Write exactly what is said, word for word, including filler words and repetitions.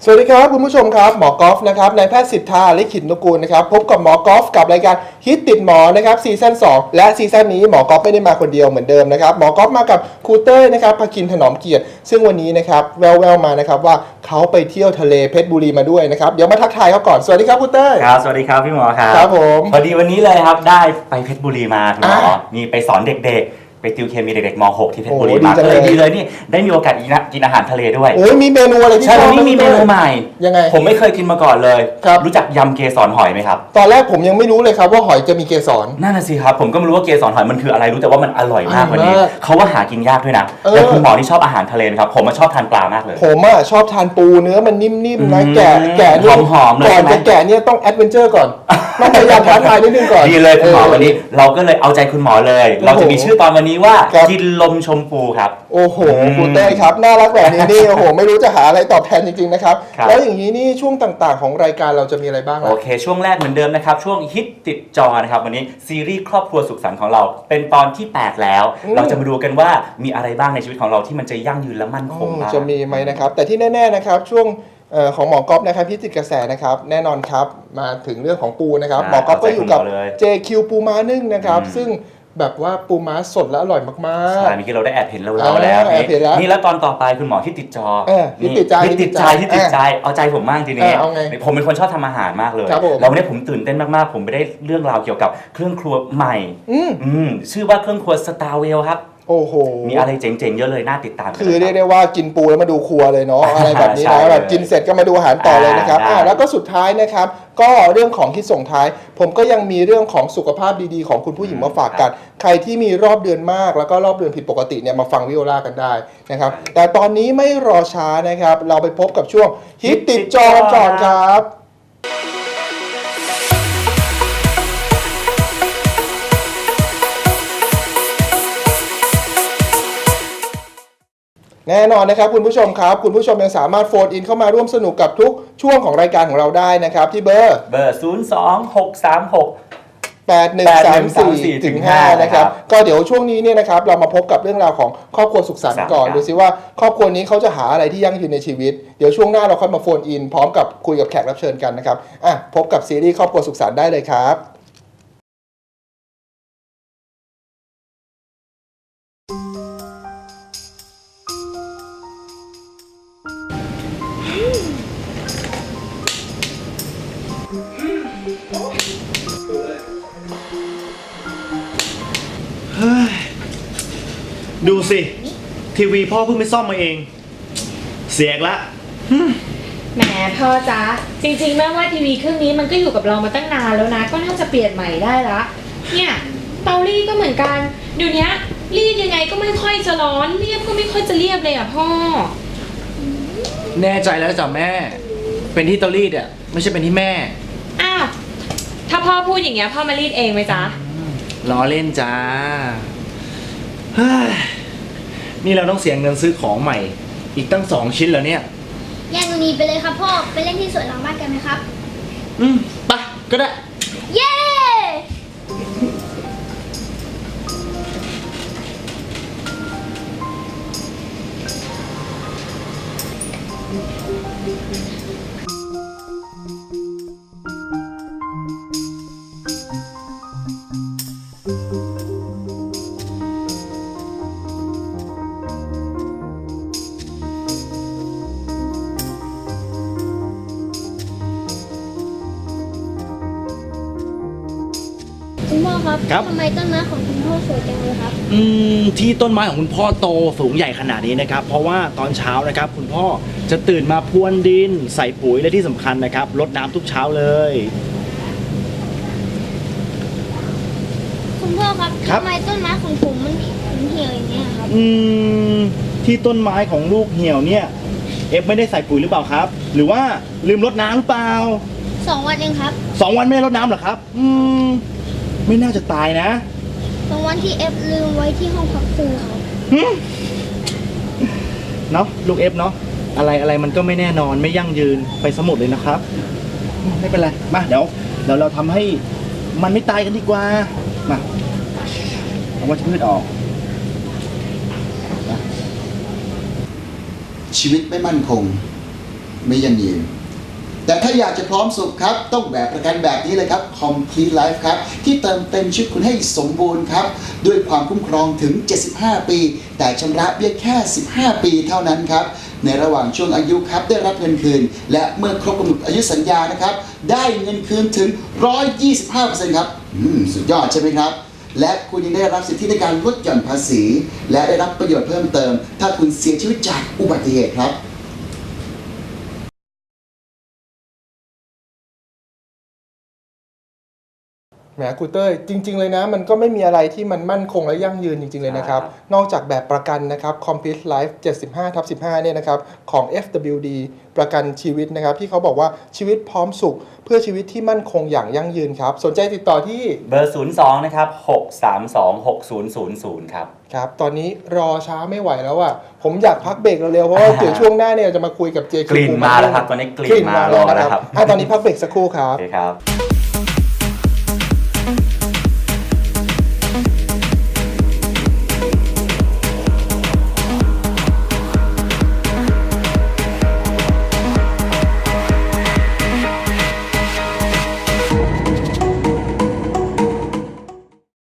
สวัสดีครับคุณผู้ชมครับหมอกอล์ฟนะครับนายแพทย์สิทธาลิขิตนุกูลนะครับพบกับหมอกอล์ฟกับรายการฮิตติดหมอนะครับซีซั่นสองและซีซั่นนี้หมอกอล์ฟไม่ได้มาคนเดียวเหมือนเดิมนะครับหมอกอล์ฟมากับครูเต้ยนะครับภคินถนอมเกียรติซึ่งวันนี้นะครับแววๆมานะครับว่าเขาไปเที่ยวทะเลเพชรบุรีมาด้วยนะครับเดี๋ยวมาทักทายเขาก่อนสวัสดีครับครูเต้ยครับสวัสดีครับพี่หมอครับครับผมพอดีวันนี้เลยครับได้ไปเพชรบุรีมาคุณหมอนี่ไปสอนเด็กๆไปติวเคมีเด็กๆม .หก ที่เพชรบุรีมาเลยดีเลยนี่ได้มีโอกาสกินอาหารทะเลด้วยโอ้ยมีเมนูอะไรที่ใช่วันนี้มีเมนูใหม่ยังไงผมไม่เคยกินมาก่อนเลยครับรู้จักยำเกสรหอยไหมครับตอนแรกผมยังไม่รู้เลยครับว่าหอยจะมีเกสรนั่นน่ะสิครับผมก็ไม่รู้ว่าเกสรหอยมันคืออะไรรู้แต่ว่ามันอร่อยมากวันนี้เขาว่าหากินยากด้วยนะแต่คุณหมอที่ชอบอาหารทะเลครับผมชอบทานปลามากเลยผมอ่ะชอบทานปูเนื้อมันนิ่มๆนะแกะแกะหอมๆเลยก่อนจะแกะเนี่ยต้องแอดเวนเจอร์ก่อนต้องพยายามท้าทายนิดนึงก่อนดีเลยคุณหมอวันนี้เราก็เลยเอาใจคุณหมอเลยเราจะมีชื่อตอนวันนี้ว่ากินลมชมพูครับโอ้โหครูเต้ยครับน่ารักแบบนี้นี่โอ้โหไม่รู้จะหาอะไรตอบแทนจริงๆนะครับแล้วอย่างนี้นี่ช่วงต่างๆของรายการเราจะมีอะไรบ้างโอเคช่วงแรกเหมือนเดิมนะครับช่วงฮิตติดจอนะครับวันนี้ซีรีส์ครอบครัวสุขสันต์ของเราเป็นตอนที่แปดแล้วเราจะมาดูกันว่ามีอะไรบ้างในชีวิตของเราที่มันจะยั่งยืนและมั่นคงบ้างจะมีไหมนะครับแต่ที่แน่ๆนะครับช่วงของหมอก๊อฟนะครับพิจิตรกระแสนะครับแน่นอนครับมาถึงเรื่องของปูนะครับหมอก๊อฟก็อยู่กับ เจ คิว ปูม้านึ่งนะครับซึ่งแบบว่าปูม้าสดและอร่อยมากๆใช่เมื่อกี้เราได้แอบเห็นเราแล้วนี่แล้วตอนต่อไปคุณหมอที่ติดจอที่ติดใจที่ติดใจที่ติดใจเอาใจผมมากทีนี้ผมเป็นคนชอบทำอาหารมากเลยแล้ววันนี้ผมตื่นเต้นมากๆผมไปได้เรื่องราวเกี่ยวกับเครื่องครัวใหม่ชื่อว่าเครื่องครัวสตาร์เวลครับโอ้โหมีอะไรเจ๋งๆเยอะเลยน่าติดตามคือเรียกได้ว่ากินปูแล้วมาดูครัวเลยเนาะอะไรแบบนี้นะแบบกินเสร็จก็มาดูอาหารต่อเลยนะครับแล้วก็สุดท้ายนะครับก็เรื่องของที่ส่งท้ายผมก็ยังมีเรื่องของสุขภาพดีๆของคุณผู้หญิงมาฝากกันใครที่มีรอบเดือนมากแล้วก็รอบเดือนผิดปกติเนี่ยมาฟังวิโอลากันได้นะครับแต่ตอนนี้ไม่รอช้านะครับเราไปพบกับช่วงฮิตติดจอก่อนครับแน่นอนนะครับคุณผู้ชมครับคุณผู้ชมยังสามารถโฟนอินเข้ามาร่วมสนุกกับทุกช่วงของรายการของเราได้นะครับที่เบอร์เบอร์ศูนย์ สอง หก สาม หกแปด หนึ่ง สาม สี่ ถึง ห้านะครับก็เดี๋ยวช่วงนี้เนี่ยนะครับเรามาพบกับเรื่องราวของครอบครัวสุขสันต์ก่อนดูซิว่าครอบครัวนี้เขาจะหาอะไรที่ยั่งยืนในชีวิตเดี๋ยวช่วงหน้าเราค่อยมาโฟนอินพร้อมกับคุยกับแขกรับเชิญกันนะครับอ่ะพบกับซีรีส์ครอบครัวสุขสันต์ได้เลยครับดูสิทีวีพ่อเพิ่งไปซ่อมมาเองเสียกละแหมพ่อจ๊ะจริงๆแม่ว่าทีวีเครื่องนี้มันก็อยู่กับเรามาตั้งนานแล้วนะก็น่าจะเปลี่ยนใหม่ได้ละเนี่ยเตารีดก็เหมือนกันเดี๋ยวนี้รีดยังไงก็ไม่ค่อยจะร้อนเรียบก็ไม่ค่อยจะเรียบเลยอ่ะพ่อแน่ใจแล้วจ้ะแม่เป็นที่เตารีดอ่ะไม่ใช่เป็นที่แม่อ้าวถ้าพ่อพูดอย่างเงี้ยพ่อมารีดเองไหมจ๊ะล้อเล่นจ้านี่เราต้องเสียเงินซื้อของใหม่อีกตั้งสองชิ้นแล้วเนี่ยแยกตรงนี้ไปเลยครับพ่อไปเล่นที่สวนหลังบ้านกันไหมครับอืมไปก็ได้เย้คุณพ่อครับทำไมต้นไม้ของคุณพ่อสวยจังเลยครับอืมที่ต้นไม้ของคุณพ่อโตสูงใหญ่ขนาดนี้นะครับเพราะว่าตอนเช้านะครับคุณพ่อจะตื่นมาพรวนดินใส่ปุ๋ยและที่สำคัญนะครับรดน้ำทุกเช้าเลยคุณพ่อครับทำไมต้นไม้ของผมมันเหี่ยวอย่างเงี้ยครับอืมที่ต้นไม้ของลูกเหี่ยวเนี่ยเอฟไม่ได้ใส่ปุ๋ยหรือเปล่าครับหรือว่าลืมรดน้ำหรือเปล่าสองวันเองครับสองวันไม่ได้รดน้ำเหรอครับอืมไม่น่าจะตายนะสองวันที่เอฟลืมไว้ที่ห้องพักครูครับเนาะลูกเอฟเนาะอะไรอะไรมันก็ไม่แน่นอนไม่ยั่งยืนไปสมุดเลยนะครับไม่เป็นไรมาเดี๋ยวเดี๋ยวเราทำให้มันไม่ตายกันดีกว่ามาเอาวัชพืชออกชีวิตไม่มั่นคงไม่ยั่งยืนแต่ถ้าอยากจะพร้อมสุขครับต้องแบบประกันแบบนี้เลยครับ Complete Life ครับที่เติมเต็มชีวิตคุณให้สมบูรณ์ครับด้วยความคุ้มครองถึงเจ็ดสิบห้าปีแต่ชำระเบี้ยแค่สิบห้าปีเท่านั้นครับในระหว่างช่วงอายุครับได้รับเงินคืนและเมื่อครบกำหนดอายุสัญญานะครับได้เงินคืนถึง หนึ่งร้อยยี่สิบห้าเปอร์เซ็นต์ ครับอืมสุดยอดใช่ไหมครับและคุณยังได้รับสิทธิในการลดหย่อนภาษีและได้รับประโยชน์เพิ่มเติมถ้าคุณเสียชีวิตจากอุบัติเหตุครับแหมครูเต้ยจริงๆเลยนะมันก็ไม่มีอะไรที่มันมั่นคงและยั่งยืนจริงๆเลยนะครับนอกจากแบบประกันนะครับ Complete Life เจ็ดสิบห้าทับสิบห้าเนี่ยนะครับของ เอฟ ดับเบิลยู ดี ประกันชีวิตนะครับที่เขาบอกว่าชีวิตพร้อมสุขเพื่อชีวิตที่มั่นคงอย่างยั่งยืนครับสนใจติดต่อที่เบอร์ศูนย์สองนะครับหกสามสองหกศูนย์ศูนย์ศูนย์ครับครับตอนนี้รอช้าไม่ไหวแล้วอ่ะผมอยากพักเบรกเร็วๆเพราะว่าเดี๋ยวช่วงหน้าเนี่ยจะมาคุยกับเจกลิ่นมาแล้วครับตอนนี้กลิ่นมาแล้วนะครับตอนนี้พักเบรกสักครู่ครับโอเคครับ